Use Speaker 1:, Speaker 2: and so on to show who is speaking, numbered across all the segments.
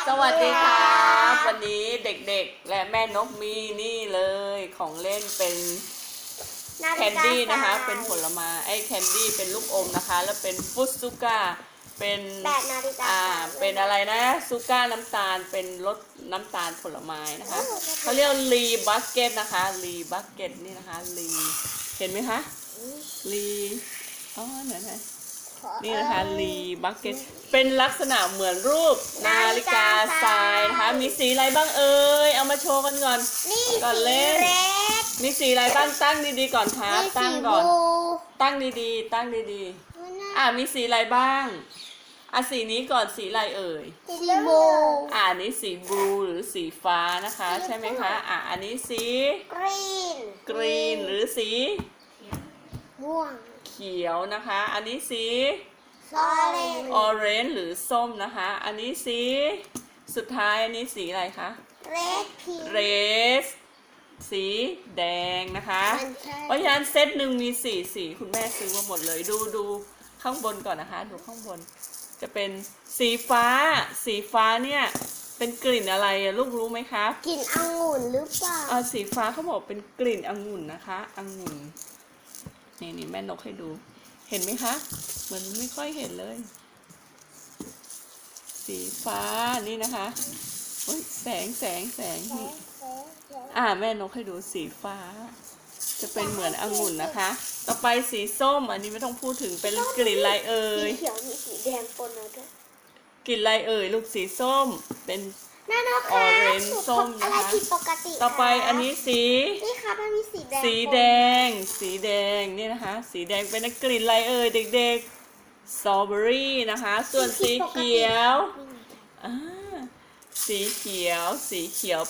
Speaker 1: สวัสดีครับวันนี้เด็กๆและแม่นกมีนี่เลยของเล่นเป็นแคนดี้นะคะเป็นผลไม้แคนดี้เป็นลูกอมนะคะแล้วเป็นฟุตซูก้าเป็น
Speaker 2: แบบนาฬิกา
Speaker 1: เป็นอะไรนะซูก้าน้ำตาลเป็นรสน้ำตาลผลไม้นะคะเขาเรียกลีบัสเก็ตนะคะลีบัสเก็ตนี่นะคะลีเห็นไหมคะลีอ๋อไหนนี่นะคะลีบักเก็ตเป็นลักษณะเหมือนรูปนาฬิกาทรายนะคะมีสีอะไรบ้างเอ่ยเอามาโชว์กันก่อนก่อนเล่นมีสีอะไรบ้างตั้งดีๆก่อนครับตั้งก่อนตั้งดีๆตั้งดีๆมีสีอะไรบ้างสีนี้ก่อนสีอะไรเอ่ย
Speaker 2: สีบลู
Speaker 1: อันนี้สีบลูหรือสีฟ้านะคะใช่ไหมคะอันนี้สีกรีนหรือสี
Speaker 2: ม่วง
Speaker 1: เขียวนะคะอันนี้สี
Speaker 2: ออ
Speaker 1: เรนจ์หรือส้มนะคะอันนี้สีสุดท้ายอันนี้สีอะไรคะเรดสีแดงนะคะเพราะฉะนั้นเซตหนึ่งมีสีคุณแม่ซื้อมาหมดเลยดูข้างบนก่อนนะคะดูข้างบนจะเป็นสีฟ้าเนี่ยเป็นกลิ่นอะไรลูกรู้ไหมคะ
Speaker 2: กลิ่นองุ่นหรือเปล่า
Speaker 1: สีฟ้าเขาบอกเป็นกลิ่นองุ่นนะคะองุ่นนี่แม่นกให้ดูเห็นไหมคะเหมือนไม่ค่อยเห็นเลยสีฟ้านี่นะคะแสงนี่แม่นกให้ดูสีฟ้าจะเป็นเหมือนองุ่นนะคะต่อไปสีส้มอันนี้ไม่ต้องพูดถึงเป็นกลิ่นอะไรเอ่ย
Speaker 2: สีเขียวมีสีแดงปนมาด้วย
Speaker 1: กลิ่นอะไรเอ่ยลูกสีส้มเป็นออเรนจ์ส้มนะคะต่อไปอันนี้สี
Speaker 2: นี่ค่ะมันมีสีแดง
Speaker 1: สีแดงนี่นะคะสีแดงเป็นกลิ่นอะไรเอ่ยเด็กๆสตรอเบอรี่นะคะส่วนสีเขียวสีเขียว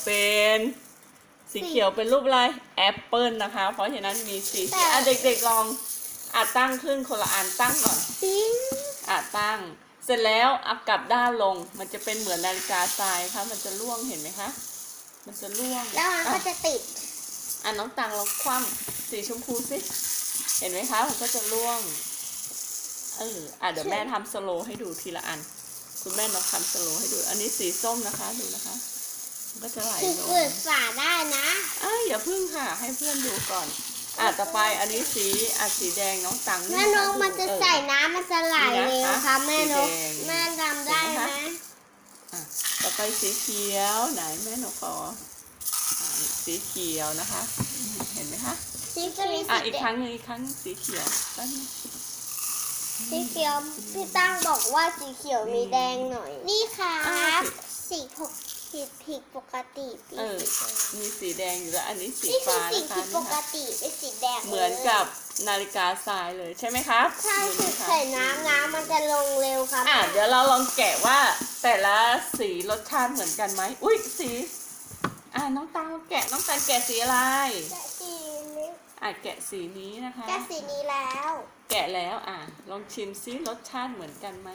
Speaker 1: เป็นรูปอะไรแอปเปิลนะคะเพราะฉะนั้นมีสีเด็กๆลองตั้งขึ้นคนละอันตั้งก่อนตั้งเสร็จแล้วกลับด้านลงมันจะเป็นเหมือนนาฬิกาทรายค่ะมันจะล่วงเห็นไหมคะมันจะล่วง
Speaker 2: แล้วมันก็จะติด
Speaker 1: น้องตังลองคว่ำสีชมพูสิเห็นไหมคะมันก็จะล่วงเดี๋ยวแม่ทำสโลว์ให้ดูทีละอันคุณแม่ลองทำสโลว์ให้ดูอันนี้สีส้มนะคะดูนะคะมันก็จะไหลลง
Speaker 2: เปิดฝาได้นะ
Speaker 1: อย่าพึ่งค่ะให้เพื่อนดูก่อนต่อไปอันนี้สีแดงน้องตัง
Speaker 2: แม่นกมันจะใส่น้ำมันจะไหลเลยนะคะแม่นกแม่ทำได้ไหม
Speaker 1: ต่อไปสีเขียวไหนแม่นกขอสีเขียวนะคะเห็นไหมคะอีกครั้งนึงสีเขียว
Speaker 2: สีเขียวพี่ตั้งบอกว่าสีเขียวมีแดงหน่อยนี่ค่ะสีผิดปกติ
Speaker 1: มีสีแดงอยู่แล้วอันนี้สีฟ้านะคะ
Speaker 2: นี่คือสีผิดปกติเป็นสีแดง
Speaker 1: เหมือนกับนาฬิกาทรายเลยใช่ไหมครับ
Speaker 2: ใช่ใส่น้ำมันจะลงเร็วครับ
Speaker 1: เดี๋ยวเราลองแกะว่าแต่ละสีรสชาติเหมือนกันไหมอุ้ยสีน้องตาแกะสีอะไร
Speaker 2: แกะสีนี้
Speaker 1: แกะสีนี้นะคะ
Speaker 2: แกะสีนี้แล้ว
Speaker 1: แกะแล้วลองชิมซิรสชาติเหมือนกันไหม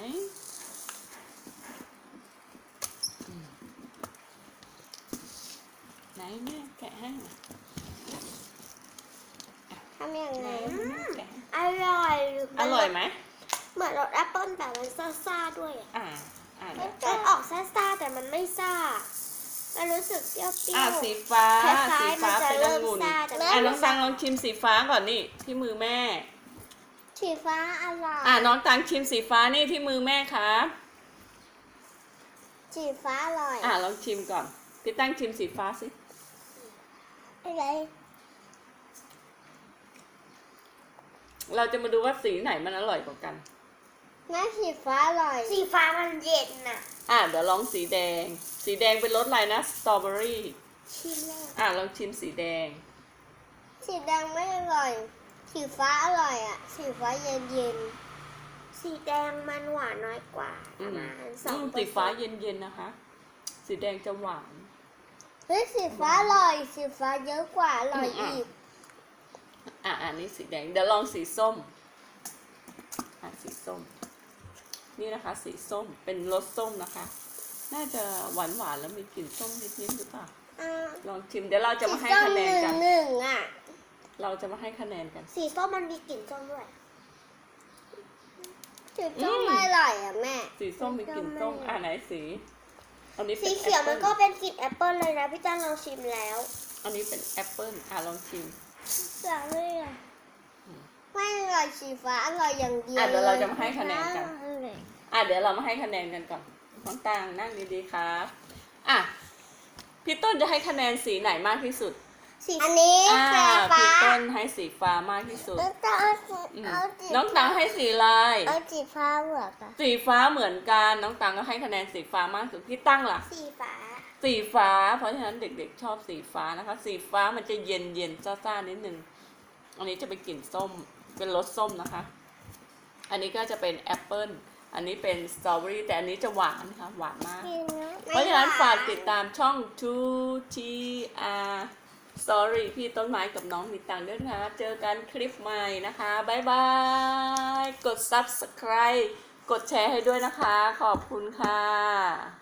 Speaker 1: ไหนแม่แกะให้
Speaker 2: ทำยังไงอ
Speaker 1: ร่อยไหม
Speaker 2: เหมือนรสแอปเปิ้ลแต่มันซ่าด้วยมันออกซ่าแต่มันไม่ซ่ามันรู้สึกเปรี้ยว
Speaker 1: สีฟ้าเป็นองุ่นน้องตังลองชิมสีฟ้าก่อนนี่ที่มือแม่
Speaker 2: สีฟ้าอร่อย
Speaker 1: น้องตังชิมสีฟ้านี่ที่มือแม่ครับ
Speaker 2: สีฟ้าอร่อย
Speaker 1: ลองชิมก่อนพี่ตั้งชิมสีฟ้าสิ
Speaker 2: อะไร
Speaker 1: เราจะมาดูว่าสีไหนมันอร่อยกว่ากัน
Speaker 2: สีฟ้าอร่อยสีฟ้ามันเย็น
Speaker 1: เดี๋ยวลองสีแดงเป็นรสอะไรนะสตรอเบอรี่
Speaker 2: ชิม
Speaker 1: ลองชิมสีแดง
Speaker 2: ไม่อร่อยสีฟ้าอร่อยสีฟ้าเย็นสีแดงมันหวานน้อยกว่า
Speaker 1: สีฟ้าเย็นนะคะสีแดงจะหวาน
Speaker 2: สีฟ้าอร่อยสีฟ้าเยอะกว่าอร่อยอีก
Speaker 1: อันนี้สีแดงเดี๋ยวลองสีส้มสีส้มนี่นะคะสีส้มเป็นรสส้มนะคะน่าจะหวานแล้วมีกลิ่นส้มนิดหรือเปล่าลองชิมเดี๋ยวเราจะมาให้คะแนนกันเราจะมาให้คะแนนกัน
Speaker 2: สีส้มมันมีกลิ่นส้มด้วยสีส้มไม่อร่อยแม่
Speaker 1: สีส้มมีกลิ่นส้มไหนสีอันนี้เป็
Speaker 2: สี
Speaker 1: น
Speaker 2: เขียวมันก็เป็นกลิ่นแอปเปิลเลยนะพี่ตั้งลองชิมแล้ว
Speaker 1: อันนี้เป็นแอปเปิ้ลลองชิม
Speaker 2: เสียเลยอ่ะไม่อร่อยสีฟ้าอร่อยอย่างเดียว
Speaker 1: เดี๋ยวเราจะมาให้คะแนนกัน
Speaker 2: อร่อย
Speaker 1: เดี๋ยวเรามาให้คะแนนกันก่อนน้องตางนั่งดีๆครับพี่ต้นจะให้คะแนนสีไหนมากที่สุด
Speaker 2: สีอันนี้สีฟ้า
Speaker 1: พี่ต้นให้สีฟ้ามากที่สุด น้องตังให้สีลาย
Speaker 2: เอาสีฟ้าเหมือนกัน
Speaker 1: สีฟ้าเหมือนกันน้องตังก็ให้คะแนนสีฟ้ามากที่สุดพี่ตั้งล่ะ
Speaker 2: สีฟ้า
Speaker 1: สีฟ้าเพราะฉะนั้นเด็กๆชอบสีฟ้านะคะ สีฟ้ามันจะเย็นซ่าๆนิดนึงอันนี้จะเป็นกลิ่นส้มเป็นรสส้มนะคะ อันนี้ก็จะเป็นแอปเปิ้ลอันนี้เป็นสตรอเบอรี่แต่อันนี้จะหวานค่ะหวานมาก เพราะฉะนั้นฝากติดตามช่อง 2TR Sorry พี่ต้นไม้กับน้องมีตังค์ด้วยนะคะเจอกันคลิปใหม่นะคะบ๊ายบายกด Subscribe กดแชร์ให้ด้วยนะคะขอบคุณค่ะ